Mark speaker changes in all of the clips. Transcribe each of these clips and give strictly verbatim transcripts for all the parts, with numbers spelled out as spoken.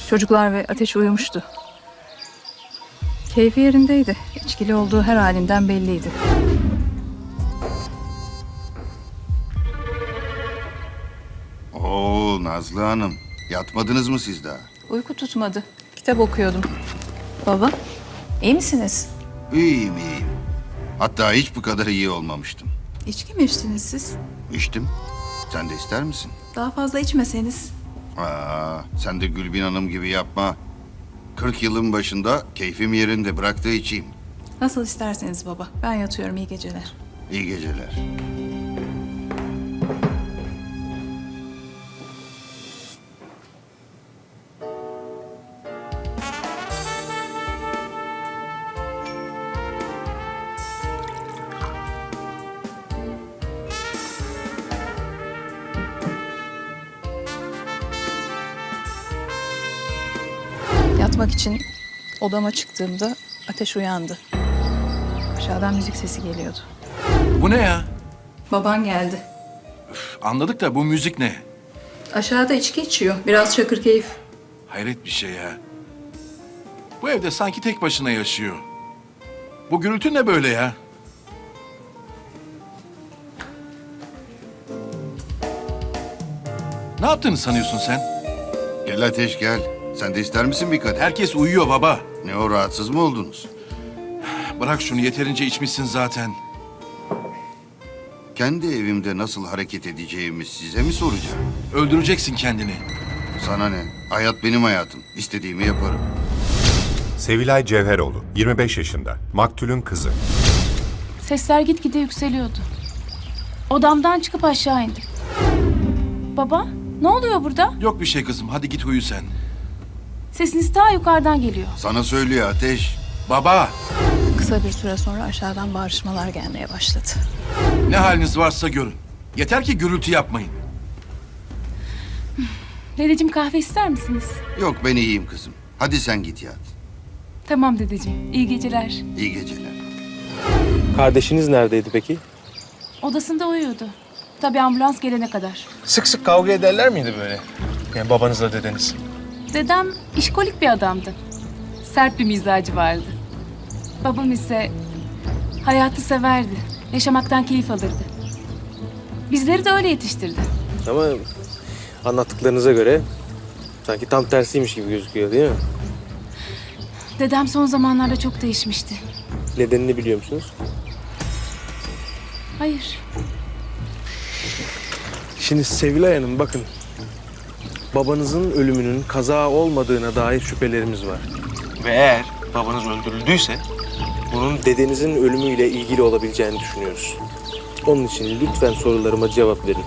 Speaker 1: Çocuklar ve Ateş uyumuştu. Keyfi yerindeydi. İçkili olduğu her halinden belliydi.
Speaker 2: Oo Nazlı Hanım, yatmadınız mı siz daha?
Speaker 1: Uyku tutmadı. Kitap okuyordum. Baba, iyi misiniz?
Speaker 2: İyiyim iyiyim. Hatta hiç bu kadar iyi olmamıştım.
Speaker 3: İçki mi içtiniz siz?
Speaker 2: İçtim. Sen de ister misin?
Speaker 3: Daha fazla içmeseniz.
Speaker 2: Aa, sen de Gülbin Hanım gibi yapma. Kırk yılın başında keyfim yerinde, bırak da içeyim.
Speaker 3: Nasıl isterseniz baba. Ben yatıyorum, iyi geceler.
Speaker 2: İyi geceler.
Speaker 1: Yatmak için odama çıktığımda Ateş uyandı. Aşağıdan müzik sesi geliyordu.
Speaker 4: Bu ne ya?
Speaker 1: Baban geldi.
Speaker 4: Anladık da bu müzik ne?
Speaker 1: Aşağıda içki içiyor. Biraz çakır keyif.
Speaker 4: Hayret bir şey ya. Bu evde sanki tek başına yaşıyor. Bu gürültü ne böyle ya? Ne yaptığını sanıyorsun sen?
Speaker 2: Gel Ateş gel. Sen de ister misin bir kadeh?
Speaker 4: Herkes uyuyor baba.
Speaker 2: Ne o, rahatsız mı oldunuz?
Speaker 4: Bırak şunu, yeterince içmişsin zaten.
Speaker 2: Kendi evimde nasıl hareket edeceğimi size mi soracağım?
Speaker 4: Öldüreceksin kendini.
Speaker 2: Sana ne? Hayat benim hayatım. İstediğimi yaparım.
Speaker 5: Sevilay Cevheroğlu, yirmi beş yaşında, maktulün kızı.
Speaker 6: Sesler gitgide yükseliyordu. Odamdan çıkıp aşağı indim. Baba, ne oluyor burada?
Speaker 4: Yok bir şey kızım, hadi git uyu sen.
Speaker 6: Sesiniz ta yukarıdan geliyor.
Speaker 2: Sana söylüyor Ateş.
Speaker 4: Baba,
Speaker 1: Kısa bir süre sonra aşağıdan bağırışmalar gelmeye başladı.
Speaker 4: ne haliniz varsa görün. Yeter ki gürültü yapmayın.
Speaker 6: Dedeciğim, kahve ister misiniz?
Speaker 2: Yok ben iyiyim kızım. Hadi sen git yat.
Speaker 6: Tamam dedeciğim, iyi geceler.
Speaker 2: İyi geceler.
Speaker 7: Kardeşiniz neredeydi peki?
Speaker 6: Odasında uyuyordu. Tabii ambulans gelene kadar.
Speaker 7: Sık sık kavga ederler miydi böyle? Yani babanızla dedeniz.
Speaker 6: Dedem işkolik bir adamdı. Sert bir mizacı vardı. Babam ise hayatı severdi. Yaşamaktan keyif alırdı. Bizleri de öyle yetiştirdi.
Speaker 7: Ama anlattıklarınıza göre sanki tam tersiymiş gibi gözüküyor değil mi?
Speaker 6: Dedem son zamanlarda çok değişmişti.
Speaker 7: Nedenini biliyor musunuz?
Speaker 6: Hayır.
Speaker 7: Şimdi Sevilay Hanım bakın. Babanızın ölümünün kaza olmadığına dair şüphelerimiz var. Ve eğer babanız öldürüldüyse bunun dedenizin ölümüyle ilgili olabileceğini düşünüyoruz. Onun için lütfen sorularıma cevap verin.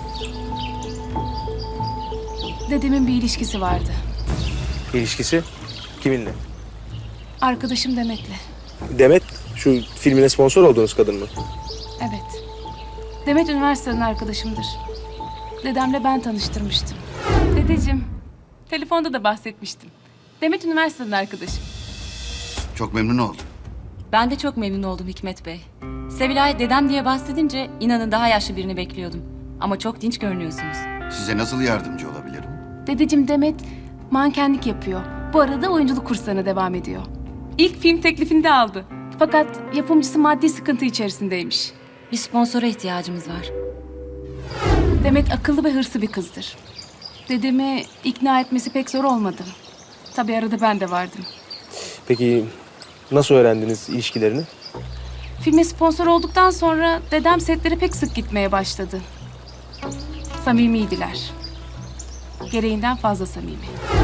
Speaker 6: Dedemin bir ilişkisi vardı.
Speaker 7: İlişkisi kiminle?
Speaker 6: Arkadaşım Demet'le.
Speaker 7: Demet, şu filmine sponsor olduğunuz kadın mı?
Speaker 6: Evet. Demet üniversiteden arkadaşımdır. Dedemle ben tanıştırmıştım. Dedeciğim, telefonda da bahsetmiştim. Demet üniversiteden arkadaşım.
Speaker 2: Çok memnun oldum.
Speaker 8: Ben de çok memnun oldum Hikmet Bey. Sevilay dedem diye bahsedince inanın daha yaşlı birini bekliyordum. Ama çok dinç görünüyorsunuz.
Speaker 2: Size nasıl yardımcı olabilirim?
Speaker 6: Dedeciğim, Demet mankenlik yapıyor. Bu arada oyunculuk kurslarına devam ediyor. İlk film teklifini de aldı. Fakat yapımcısı maddi sıkıntı içerisindeymiş.
Speaker 8: Bir sponsora ihtiyacımız var.
Speaker 6: Demet akıllı ve hırslı bir kızdır. Dedemi ikna etmesi pek zor olmadı. Tabii arada ben de vardım.
Speaker 7: Peki nasıl öğrendiniz ilişkilerini?
Speaker 6: Filme sponsor olduktan sonra dedem setlere pek sık gitmeye başladı. Samimiydiler. Gereğinden fazla samimi.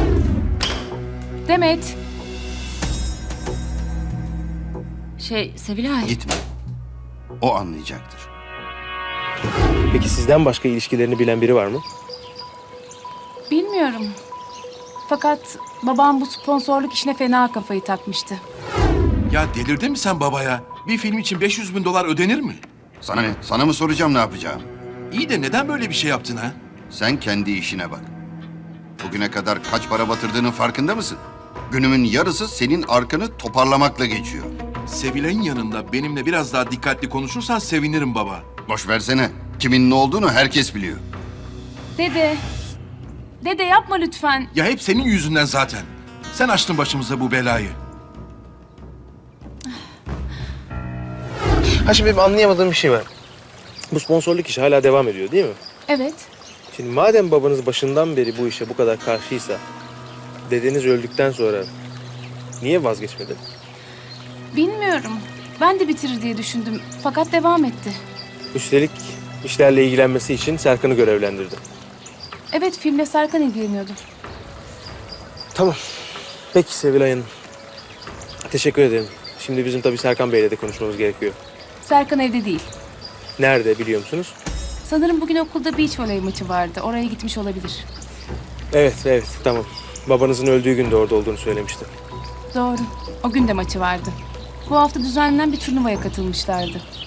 Speaker 6: Demet,
Speaker 8: Şey Sevilay.
Speaker 2: Gitme. O anlayacaktır.
Speaker 7: Peki sizden başka ilişkilerini bilen biri var mı?
Speaker 6: bilmiyorum. Fakat babam bu sponsorluk işine fena kafayı takmıştı.
Speaker 4: Ya delirdin mi sen babaya? Bir film için beş yüz bin dolar ödenir mi?
Speaker 2: Sana ne? Sana mı soracağım ne yapacağım?
Speaker 4: İyi de neden böyle bir şey yaptın ha?
Speaker 2: Sen kendi işine bak. Bugüne kadar kaç para batırdığının farkında mısın? Günümün yarısı senin arkanı toparlamakla geçiyor.
Speaker 4: Sevilay'ın yanında benimle biraz daha dikkatli konuşursan sevinirim baba.
Speaker 2: Boş versene. Kimin ne olduğunu herkes biliyor.
Speaker 6: Dede, dede yapma lütfen.
Speaker 4: Ya hep senin yüzünden zaten. Sen açtın başımıza bu belayı.
Speaker 7: Ha şimdi benim anlayamadığım bir şey var. Bu sponsorluk işi hala devam ediyor değil mi?
Speaker 6: Evet.
Speaker 7: Şimdi madem babanız başından beri bu işe bu kadar karşıysa, dedeniz öldükten sonra niye vazgeçmedi?
Speaker 6: Bilmiyorum. Ben de bitirir diye düşündüm. Fakat devam etti.
Speaker 7: Üstelik işlerle ilgilenmesi için Serkan'ı görevlendirdi.
Speaker 6: Evet, filmle Serkan ilgileniyordu.
Speaker 7: Tamam. Peki Sevilay Hanım. Teşekkür ederim. Şimdi bizim tabii Serkan Bey'le de konuşmamız gerekiyor.
Speaker 6: Serkan evde değil.
Speaker 7: Nerede biliyor musunuz?
Speaker 6: Sanırım bugün okulda beach voley maçı vardı. Oraya gitmiş olabilir.
Speaker 7: Evet, evet. Tamam. Babanızın öldüğü gün de orada olduğunu söylemişti.
Speaker 6: Doğru. O gün de maçı vardı. Bu hafta düzenlenen bir turnuvaya katılmışlardı.